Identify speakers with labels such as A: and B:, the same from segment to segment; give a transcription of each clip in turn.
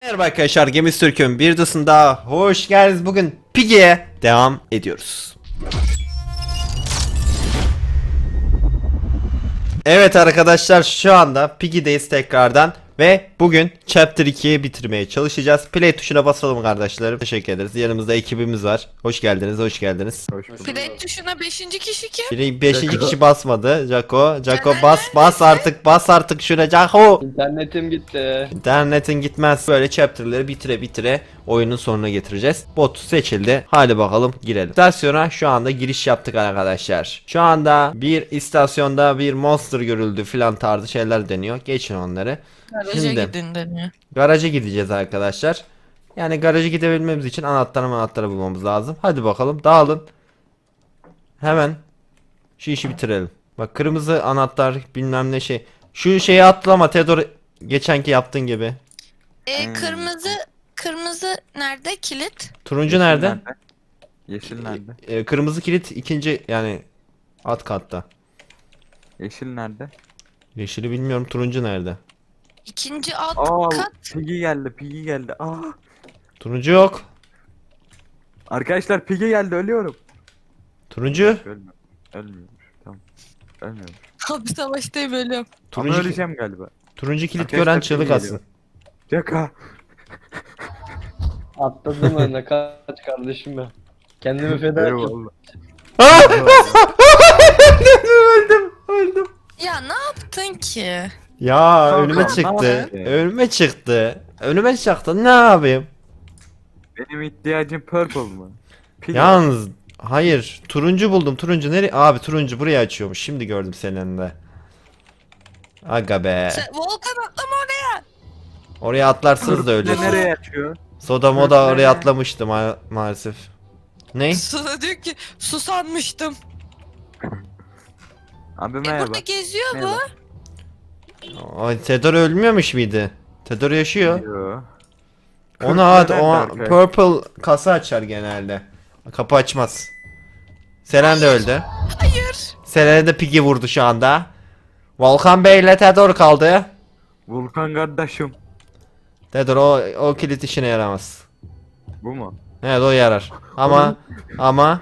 A: Merhaba arkadaşlar, Gemiz Türk'ün bir dosunda hoş geldiniz. Bugün Piggy'ye devam ediyoruz. Evet arkadaşlar, şu anda Piggy'deyiz tekrardan ve bugün Chapter 2'yi bitirmeye çalışacağız. Play tuşuna basalım kardeşlerim. Teşekkür ederiz. Yanımızda ekibimiz var. Hoş geldiniz, hoş geldiniz.
B: Hoş bulduk.
C: Play tuşuna 5. kişi kim?
A: Biri 5.
B: Jaco.
A: kişi basmadı. Jaco
C: Caner
A: bas artık şuna Jaco.
B: İnternetim gitti.
A: İnternetin gitmez. Böyle chapter'ları bitire oyunun sonuna getireceğiz. Bot seçildi. Hadi bakalım girelim. İstasyona şu anda giriş yaptık arkadaşlar. Şu anda bir istasyonda bir monster görüldü filan tarzı şeyler deniyor. Geçin onları.
C: Garaja
A: Şimdi
C: gidin deniyor.
A: garaja gideceğiz arkadaşlar. Yani garaja gidebilmemiz için anahtarı bulmamız lazım. Hadi bakalım dağılın. Hemen şu işi bitirelim. Bak kırmızı anahtar bilmem ne şey. Şu şeyi atlama Theodor, geçenki yaptığın gibi.
C: Kırmızı nerede? Kilit.
A: Turuncu nerede?
D: Yeşil nerede?
A: Kırmızı kilit ikinci yani alt katta.
D: Yeşil nerede?
A: Yeşili bilmiyorum, turuncu nerede?
C: İkinci alt
D: Aa,
C: kat.
D: Piggy geldi.
A: Turuncu yok.
D: Arkadaşlar Piggy geldi, ölüyorum.
A: Turuncu.
D: Ölmüyormuş. Tamam. Ölmüyormuş.
C: Abi savaştayım ölüyorum.
D: Ama
A: Turuncu,
D: öleceğim galiba.
A: turuncu kilit
D: Arkadaşlar
A: gören
D: kim
A: çığlık
D: geliyor?
A: atsın.
D: Caka.
B: Atladım önüne, kaç kardeşim ben. Kendimi feda ettim.
D: Eyvallah.
A: Öldüm.
C: Ya ne yaptın ki?
A: Ya
D: Kanka,
A: önüme
D: ne
A: çıktı.
D: yapayım?
A: Önüme çıktı. Ne yapayım?
D: Benim ihtiyacım purple mı? Piggy.
A: Yalnız hayır, turuncu buldum. Turuncu nereye? Abi turuncu buraya açıyormuş. Şimdi gördüm senin elinde. Aga be.
C: Volkan atlama oraya.
A: Oraya atlarsınız da
D: Purple
A: ölürsünüz.
D: nereye açıyor?
A: Soda moda
D: Purple
A: oraya
D: nereye?
A: atlamıştı maalesef. Ne?
C: Suda diyor ki susanmıştım.
D: Abi merhaba.
C: Burada geziyor bu.
D: Merhaba.
A: Ay, Theodor ölmüyormuş muydu? Theodor yaşıyor.
D: Yo.
A: Onu at, o
D: Arkadaşlar.
A: purple kasa açar genelde. Kapı açmaz. Selen de öldü.
C: Hayır.
A: Selen'e de Piggy vurdu şu anda. Volkan Bey ile Theodor kaldı.
D: Vulkan kardeşim.
A: Theodor o kilit işine yaramaz.
D: Bu mu?
A: Evet o yarar. Ama
D: Yani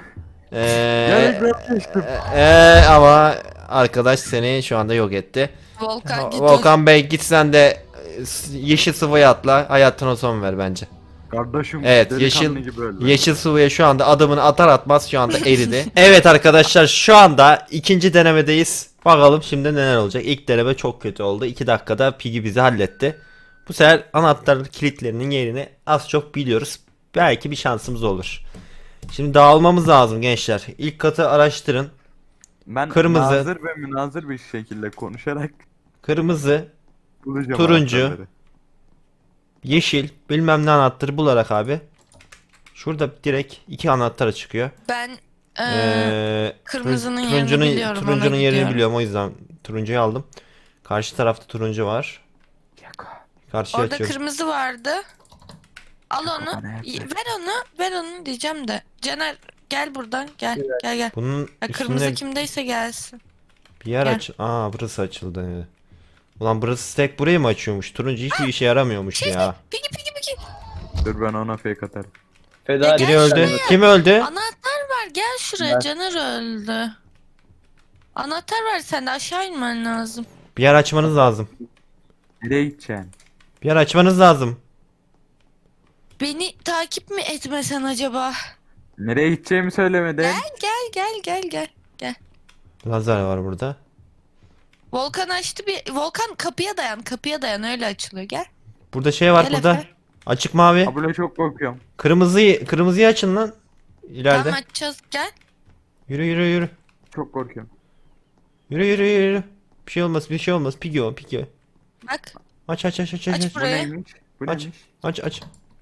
A: ama arkadaş seni şu anda yok etti.
C: Volkan git.
A: Volkan Bey git sen de yeşil sıvıya atla. Hayatına son ver bence.
D: Kardeşim.
A: Evet,
D: delikanlı gibi öldü.
A: Yeşil sıvıya şu anda adımını atar atmaz şu anda eridi. Evet arkadaşlar, şu anda ikinci denemedeyiz. Bakalım şimdi neler olacak. İlk deneme çok kötü oldu. 2 dakikada Piggy bizi halletti. Bu sefer anahtar kilitlerinin yerini az çok biliyoruz. Belki bir şansımız olur. Şimdi dağılmamız lazım gençler. İlk katı araştırın.
D: Ben
A: Kırmızı.
D: nazır ve münazır bir şekilde konuşarak
A: Kırmızı,
D: bulacağım
A: Turuncu.
D: anahtarları.
A: yeşil, bilmem ne anahtarı bularak abi. Şurada direkt 2 anahtar çıkıyor.
C: Ben
A: turuncunun
C: kırmızının yerini biliyorum,
A: Turuncunun
C: ona
A: yerini
C: gidiyorum.
A: biliyorum, o yüzden turuncuyu aldım. Karşı tarafta turuncu var. Karşıya
C: orada
A: açıyorum.
C: kırmızı vardı. Al onu.
D: nerede?
C: Ver onu diyeceğim de. Caner gel buradan gel.
A: Bunun
C: Ya kırmızı
A: üstünde
C: kimdeyse gelsin.
A: bir yer
C: Gel.
A: aç. Aa, burası açıldı. Ulan burası tek burayı mı açıyormuş? Turuncu hiçbir işe yaramıyormuş ya.
C: Peki.
D: Dur ben ona fake atarım.
B: Feda
C: Ya
A: Biri
C: gel
A: öldü.
C: şuraya.
A: Kim öldü?
C: Anahtar var, gel şuraya.
B: Ben-
C: Caner öldü. Anahtar var, sen de aşağı inmen lazım.
A: Bir yer açmanız lazım.
D: Nereye gideceksin?
A: Bir yer açmanız lazım.
C: Beni takip mi etmesen acaba?
D: Nereye gideceğimi söylemedin.
C: Gel.
A: Lazer var burada.
C: Volkan açtı Volkan kapıya dayan öyle açılıyor, gel.
A: Burada şey var
C: Gel
A: burada.
C: Efe.
A: Açık mavi.
D: Abla çok korkuyorum.
A: Kırmızıyı açın lan. İleride.
C: Tamam açacağız, gel.
A: Yürü.
D: Çok korkuyorum.
A: Yürü. Bir şey olmaz. Piggy.
C: Bak.
A: Aç.
C: Aç
D: Bu
C: burayı.
D: neymiş? Bu
A: Aç.
D: neymiş?
A: Aç.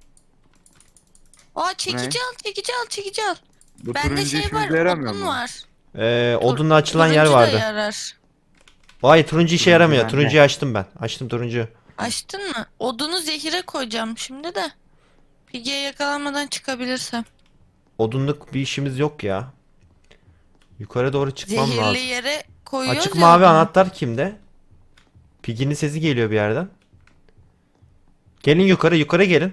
C: Aa, çekici al.
D: Bu
C: Bende
D: turuncu
C: şey var,
D: işimize yaramıyor
C: odun
D: mu?
C: var.
A: Odunla açılan yer
C: Turuncu da
A: vardı.
C: yarar.
A: Vay, turuncu işe
D: Turuncu
A: yaramıyor.
D: bende.
A: Turuncuyu açtım ben. Açtım turuncuyu.
C: Açtın mı? Odunu zehire koyacağım şimdi de. Piggy'ye yakalanmadan çıkabilirsem.
A: Odunluk bir işimiz yok ya. Yukarı doğru çıkmam
C: Zehirli
A: lazım.
C: yere koyuyoruz
A: Açık
C: ya
A: mavi
C: odunu.
A: anahtar kimde? Piggy'nin sesi geliyor bir yerden. Gelin yukarı gelin.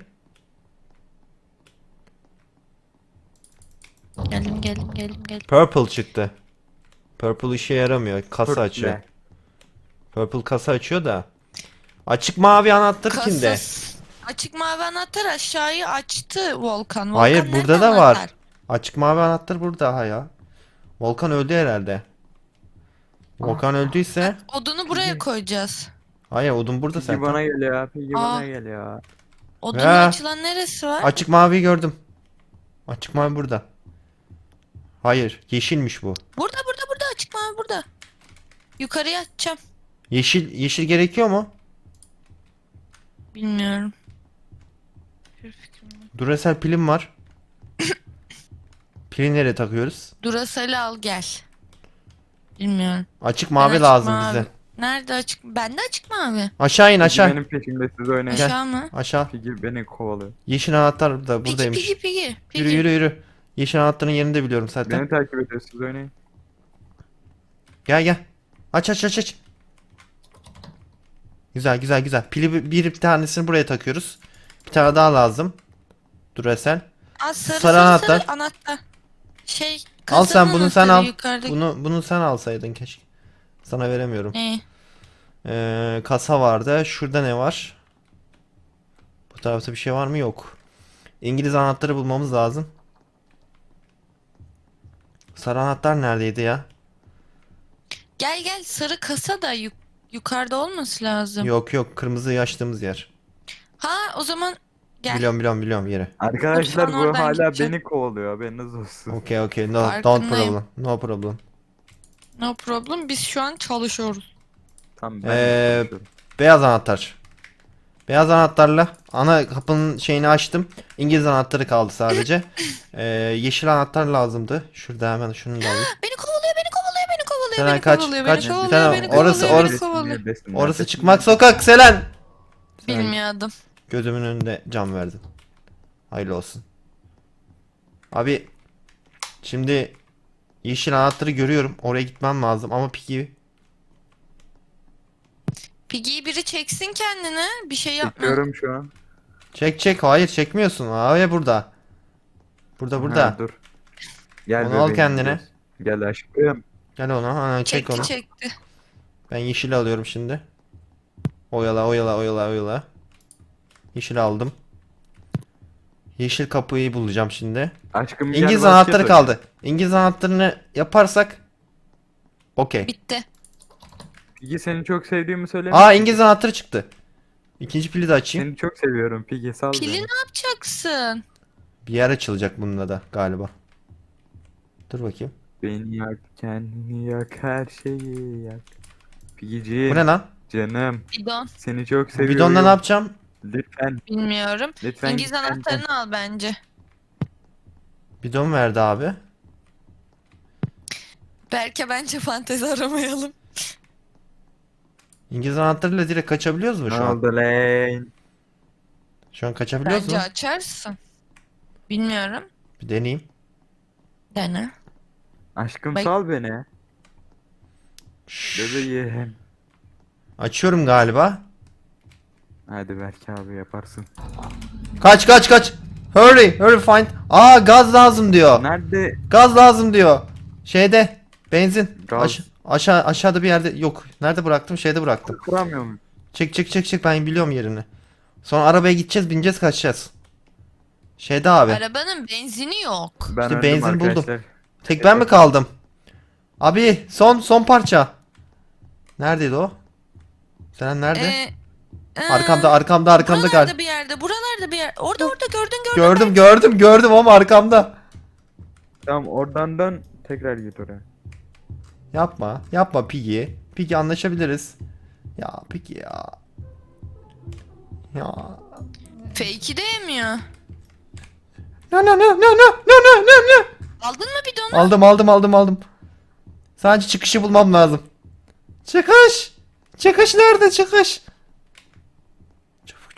C: Gelin.
A: Purple çıktı. Purple işe yaramıyor. Kasa
D: Purple.
A: açıyor. Purple kasa açıyor da. Açık mavi anahtar kimde?
C: Kasas. Açık mavi anahtar aşağıyı açtı Volkan.
A: Hayır,
C: Volkan
A: burada
C: nerede
A: da var.
C: anahtar?
A: Açık mavi anahtar burada ha ya. Volkan öldü herhalde. Volkan öldüyse.
C: Odunu buraya koyacağız.
A: Hayır, odun burada
D: Piggy
A: zaten.
D: bana geliyor. Piggy
C: Aa.
D: bana geliyor.
C: Odunun
A: Ya.
C: açılan neresi var?
A: Açık maviyi gördüm. Açık mavi burada. Hayır, yeşilmiş bu.
C: Burada açık mavi burada. Yukarıya açacağım.
A: Yeşil gerekiyor mu?
C: Bilmiyorum. Bir fikrim yok.
A: Duracell pilim var. Pili nereye takıyoruz?
C: Duracell'i al gel. Bilmiyorum.
A: Açık
C: Ben
A: mavi
C: açık
A: lazım
C: mavi.
A: bize.
C: Nerede açık? Bende açık mavi.
A: Aşağı in
D: Piggy
A: aşağı.
D: benim peşimde, siz oynayın.
C: Aşağı mı?
A: Aşağı.
D: Piggy beni kovalıyor.
A: Yeşil anahtar da buradaymış.
C: Piggy.
A: Yürü. Yeşil anahtarın yerini de biliyorum zaten.
D: Beni takip ediyor, siz oynayın.
A: Gel. Aç. Güzel. Pili bir tanesini buraya takıyoruz. Bir tane daha lazım. Duracell.
C: Aa, sarı
A: Sarı anahtar.
C: anahtar. Şey,
A: Al sen
C: kasanın
A: bunu sen
C: anahtarı
A: al.
C: yukarıdaki.
A: Bunu sen alsaydın keşke. Sana veremiyorum.
C: Ne?
A: Kasa vardı. Şurada ne var? Bu tarafta bir şey var mı? Yok. İngiliz anahtarı bulmamız lazım. Sarı anahtar neredeydi ya?
C: Gel sarı kasa da yukarıda olması lazım.
A: Yok. Kırmızı açtığımız yer.
C: Ha o zaman gel.
A: Biliyorum yeri.
D: Arkadaşlar
C: Mutfağın
D: bu
C: oradan
D: hala
C: gideceğim.
D: beni kovalıyor, haberiniz olsun.
A: Okay. No, don't
C: Farkındayım.
A: problem. No problem.
C: No problem. Biz şu an çalışıyoruz.
D: Tamam ben konuşuyorum.
A: Beyaz anahtar. Beyaz anahtarla ana kapının şeyini açtım. İngiliz anahtarı kaldı sadece. Yeşil anahtar lazımdı. Şurada hemen şunu da alayım.
C: Beni kovalıyor.
A: Selen
C: Beni
A: kaç,
C: kovalıyor.
A: kaç.
C: Beni
A: Bir
C: kovalıyor.
A: tane
C: Beni kovalıyor.
A: orası-
C: Beni
A: orası-
C: kovalıyor.
D: Neredesin,
A: Orası
D: neredesin?
A: çıkmak sokak Selen.
C: Bilmiyordum.
A: Gözümün önünde can verdin. Hayırlı olsun. Abi şimdi yeşil anahtarı görüyorum. Oraya gitmem lazım ama Piggy
C: Piggy'yi biri çeksin kendine. Bir şey yapma.
D: Bekliyorum şu an.
A: çek. Hayır çekmiyorsun. Abi burada. Burada.
D: Ha, dur. Gel
A: Onu al
D: bebeğim,
A: kendine.
D: gidiyoruz. Gel aşkım.
A: Gel ona. Ha, çek onu.
C: Çekti.
A: Ben yeşil alıyorum şimdi. Oyala. Yeşil aldım. Yeşil kapıyı bulacağım şimdi.
D: Aşkım gel,
A: İngiliz
D: basket
A: anahtarı
D: oyna.
A: kaldı. İngiliz anahtarını yaparsak okey.
C: Bitti.
D: Piggy, seni çok sevdiğimi söyle.
A: Aa, İngiliz anahtarı çıktı. İkinci pili de açayım.
D: Seni çok seviyorum Piggy, sal
C: Pili
D: beni.
C: ne yapacaksın?
A: Bir yer açılacak bununla da galiba. Dur bakayım.
D: Beni yak, kendini yak, her şeyi yak. Piggy'ciğim,
A: Bu ne lan?
D: canım,
C: Bidon.
D: seni çok seviyorum.
A: Bidonla ne yapacağım?
D: Lütfen,
C: Bilmiyorum.
D: lütfen.
C: İngiliz
D: git benden.
C: anahtarını al bence.
A: Bidon verdi abi.
C: Belki bence fantezi aramayalım.
A: İngiliz anahtarıyla direkt kaçabiliyoruz mu
D: Ne
A: şu an?
D: oldu lan?
A: Şu an kaçabiliyoruz
C: Bence
A: mu?
C: açarsın. Bilmiyorum.
A: Bir deneyeyim.
C: Dene.
D: Aşkım
C: Bak-
D: sal beni. Bebeğim.
A: Açıyorum galiba.
D: Hadi belki abi yaparsın.
A: Kaç. Hurry find. Aa, gaz lazım diyor.
D: Nerede?
A: Gaz lazım diyor. Şeyde benzin.
D: Gaz.
A: Aşağıda bir yerde yok. Nerede bıraktım? Şeyde bıraktım.
D: Kuramıyor muyum?
A: Çek ben biliyorum yerini. Sonra arabaya gideceğiz, bineceğiz, kaçacağız. Şeyde abi.
C: Arabanın benzini yok.
D: Ben
A: İşte
D: öldüm
A: benzin buldum.
D: arkadaşlar.
A: Tek ben mi kaldım? Abi son parça. Neredeydi o? Sen nerede? Arkamda
C: Buralarda
A: galiba.
C: bir yerde. Buralarda bir yer. Orada gördün.
A: Gördüm ama arkamda.
D: Tamam, oradan dön, tekrar git oraya.
A: Yapma Piggy. Piggy, anlaşabiliriz. Ya Piggy ya. Ya.
C: Fake'i de yemiyor.
A: No.
C: Aldın mı bidonu?
A: Aldım. Sadece çıkışı bulmam lazım. Çıkış nerede çıkış? Çabuk.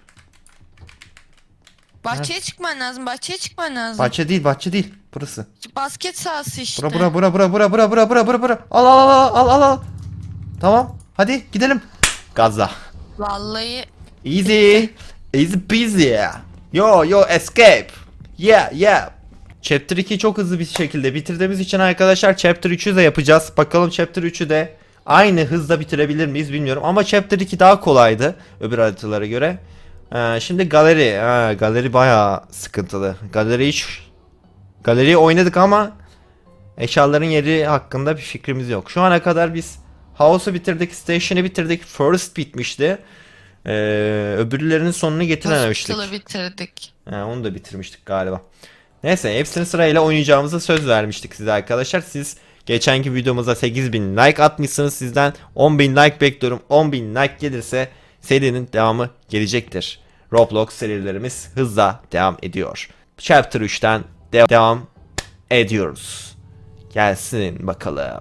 C: Bahçeye çıkman lazım.
A: Bahçe değil burası.
C: Basket sahası işte.
A: Bura. Al. Tamam. Hadi gidelim. Gazla.
C: Vallahi
A: Easy. Easy peasy. Yo escape. Yeah. Chapter 2 çok hızlı bir şekilde bitirdiğimiz için arkadaşlar Chapter 3'ü de yapacağız. Bakalım Chapter 3'ü de aynı hızda bitirebilir miyiz bilmiyorum. Ama Chapter 2 daha kolaydı öbür haritalara göre. Şimdi galeri. Galeri bayağı sıkıntılı. Galeriyi oynadık ama eşyaların yeri hakkında bir fikrimiz yok. Şu ana kadar biz House'u bitirdik, Station'ı bitirdik, Forest bitmişti. Öbürlerinin sonunu getirememiştik.
C: Hospital'ı bitirdik.
A: Onu da bitirmiştik galiba. Neyse hepsini sırayla oynayacağımıza söz vermiştik size arkadaşlar. Siz geçenki videomuza 8000 like atmışsınız. Sizden 10.000 like bekliyorum. 10.000 like gelirse serinin devamı gelecektir. Roblox serilerimiz hızla devam ediyor. Chapter 3'ten devam ediyoruz. Gelsin bakalım.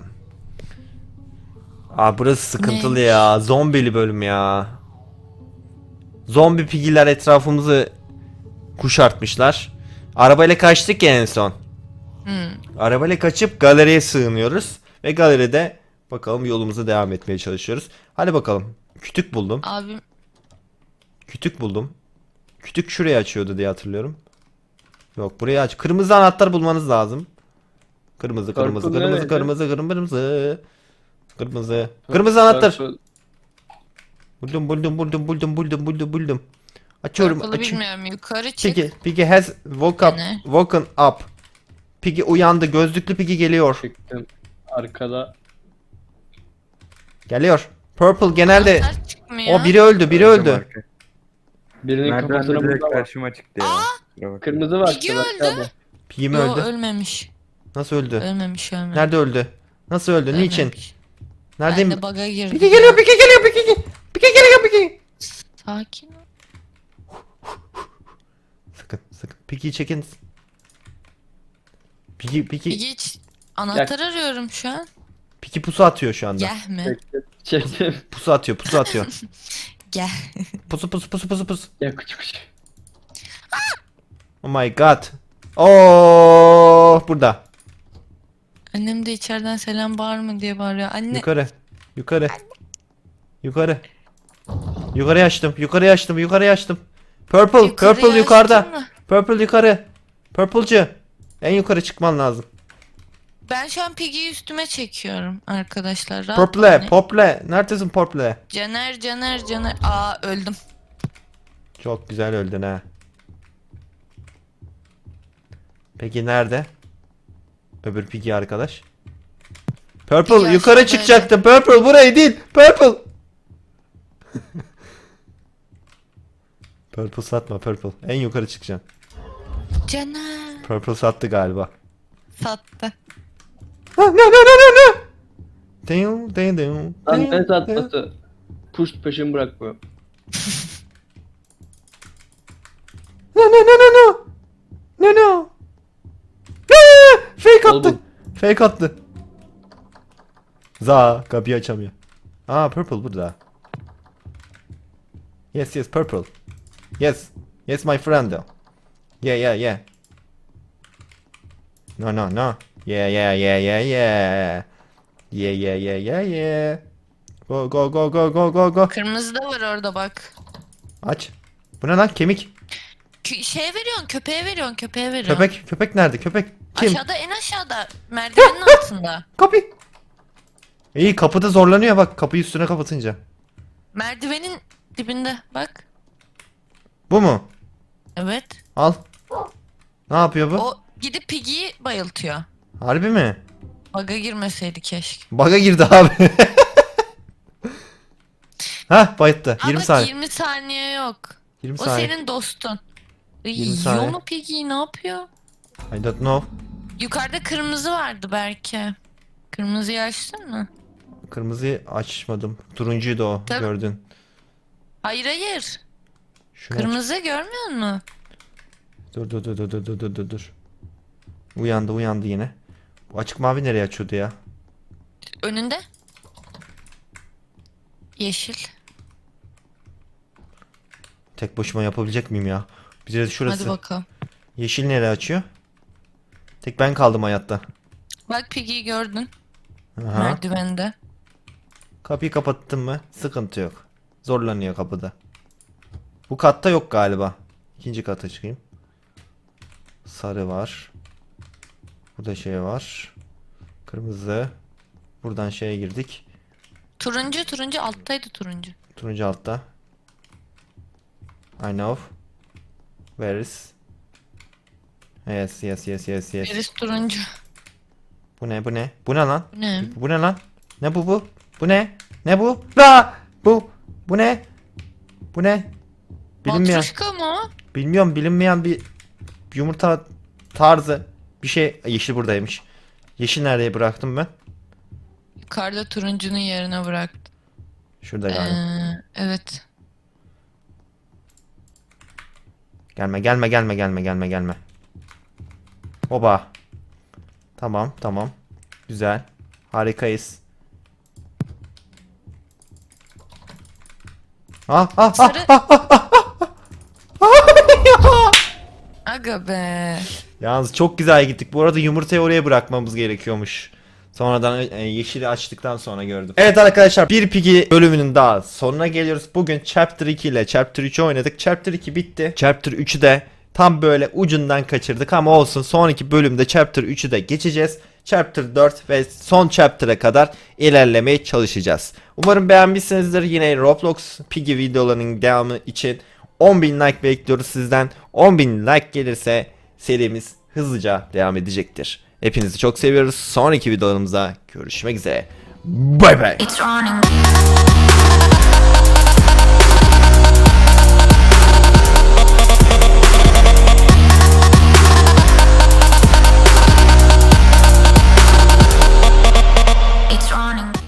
A: Burası sıkıntılı
C: Neymiş?
A: ya. Zombili bölüm ya. Zombi pigiler etrafımızı kuşatmışlar. Arabayla kaçtık ya en son. Arabayla kaçıp galeriye sığınıyoruz. Ve galeride bakalım yolumuza devam etmeye çalışıyoruz. Hadi bakalım. Kütük buldum.
C: Abim
A: Kütük buldum. Kütük şuraya açıyordu diye hatırlıyorum. Yok buraya aç. Kırmızı anahtar bulmanız lazım. Kırmızı. Kırmızı anahtar. Buldum. Açıyorum.
C: Purple'ı bilmiyorum. Yukarı çık.
A: Piggy has
C: Ne?
A: woken up. Piggy uyandı. Gözlüklü Piggy geliyor.
B: Çıktım. Arkada.
A: Geliyor. Purple genelde
C: Anahtar çıkmıyor.
A: o biri öldü.
B: Birinin
D: Merdiven
B: kafasına
D: de direkt
B: burada var.
D: karşıma çıktı ya. Kusura bakma.
B: Kırmızı var.
C: Piggy
B: işte, bak
C: öldü.
B: abi.
A: Piggy mi
C: Yo,
A: öldü?
C: ölmemiş.
A: Nasıl öldü?
C: Ölmemiş.
A: Nerede öldü? Nasıl öldü? Niçin?
C: Ölmemiş.
A: Neredeyim?
C: Ben de bug'a girdim.
A: Piggy geliyor.
C: Sakin ol.
A: Sakın. Piggy'yi çekin. Piggy
C: Piggy hiç anahtar arıyorum şu an.
A: Piggy pusu atıyor şu anda.
C: Gel mi?
B: Çektim.
A: Pusu atıyor.
C: Gel.
A: Pusu.
B: Ya küçük.
A: Oh my god. Oh, burada.
C: Annem de içeriden selam bağırma diye bağırıyor. Anne.
A: Yukarı. Yukarı açtım. Purple
C: Yukarıya
A: yukarıda.
C: açtın mı?
A: Purple yukarı. Purple'cı. En yukarı çıkman lazım.
C: Ben şu an Piggy'yi üstüme çekiyorum arkadaşlar. Rahat oynayın.
A: Purple. Neredesin Purple?
C: Caner. Aa öldüm.
A: Çok güzel öldün ha. Peki nerede? Öbür Piggy arkadaş. Purple
C: Piggy
A: yukarı
C: aşağıdaydı.
A: çıkacaktı. Purple burayı değil. Purple. Purple satma Purple. En yukarı çıkacaksın.
C: Caner.
A: Purple sattı galiba.
C: Sattı.
A: No.
B: Lan ne satması? Push peşimi bırakmıyor.
A: No. Fake attı.
B: Oldu.
A: Fake attı. Kapıyı açamıyor. Purple burada. Yes Purple. Yes my friend. Yeah. No. Yeah. Go.
C: Kırmızı da var orada bak.
A: Aç. Bu ne lan? Kemik.
C: Şeye veriyorsun, köpeğe veriyorsun.
A: Köpek nerede? Köpek kim?
C: Aşağıda, en aşağıda. Merdivenin altında.
A: Kapı. İyi kapıda zorlanıyor bak kapıyı üstüne kapatınca.
C: Merdivenin dibinde bak.
A: Bu mu?
C: Evet.
A: Al. Ne yapıyor bu?
C: O gidip Piggy'yi bayıltıyor.
A: Harbi mi?
C: Bug'a girmeseydi keşke.
A: Bug'a girdi abi. Bayıttı. 20
C: Ama
A: saniye.
C: 20 saniye yok.
A: 20
C: O
A: saniye.
C: senin dostun.
A: 20 saniye.
C: Yiyor mu Piggy'yi, ne yapıyor?
A: I don't know.
C: Yukarıda kırmızı vardı belki. Kırmızıyı açtın mı?
A: Kırmızıyı açmadım. Turuncuydu o.
C: Tabii.
A: Gördün.
C: Hayır.
A: Şunu aç.
C: Kırmızı görmüyor musun?
A: Dur. Uyandı yine. Bu açık mavi nereye açıyordu ya?
C: Önünde. Yeşil.
A: Tek başıma yapabilecek miyim ya? Bize şurası.
C: Hadi bakalım.
A: Yeşil nereye açıyor? Tek ben kaldım hayatta.
C: Bak Piggy'yi gördün.
A: Aha.
C: Merdivende.
A: Kapıyı kapattın mı? Sıkıntı yok. Zorlanıyor kapıda. Bu katta yok galiba. İkinci kata çıkayım. Sarı var. Burada şey var. Kırmızı. Buradan şeye girdik.
C: Turuncu alttaydı turuncu.
A: Turuncu altta. I know. Where is? Yes.
C: Birisi turuncu.
A: Bu ne? Bu ne? Bu ne lan?
C: Bu ne?
A: Bu ne lan? Ne bu? Bu ne? Ne bu? La! Bu ne? Bu ne? Bilinmeyen.
C: Matruşka mı?
A: Bilmiyorum, bilinmeyen bir yumurta tarzı bir şey. Yeşil buradaymış. Yeşil nereye bıraktım ben?
C: Yukarıda turuncunun yerine bıraktı.
A: Şurada galiba.
C: Evet.
A: Gelme. Oba. Tamam. Güzel. Harikayız.
C: Sarı. Aga be.
A: Yalnız çok güzel gittik. Bu arada yumurtayı oraya bırakmamız gerekiyormuş. Sonradan yeşili açtıktan sonra gördüm. Evet arkadaşlar, bir Piggy bölümünün daha sonuna geliyoruz. Bugün Chapter 2 ile Chapter 3'ü oynadık. Chapter 2 bitti. Chapter 3'ü de tam böyle ucundan kaçırdık ama olsun. Sonraki bölümde Chapter 3'ü de geçeceğiz. Chapter 4 ve son Chapter'a kadar ilerlemeye çalışacağız. Umarım beğenmişsinizdir. Yine Roblox Piggy videolarının devamı için 10.000 like bekliyoruz sizden. 10.000 like gelirse serimiz hızlıca devam edecektir. Hepinizi çok seviyoruz. Sonraki videolarımızda görüşmek üzere. Bay bay.
C: It's running.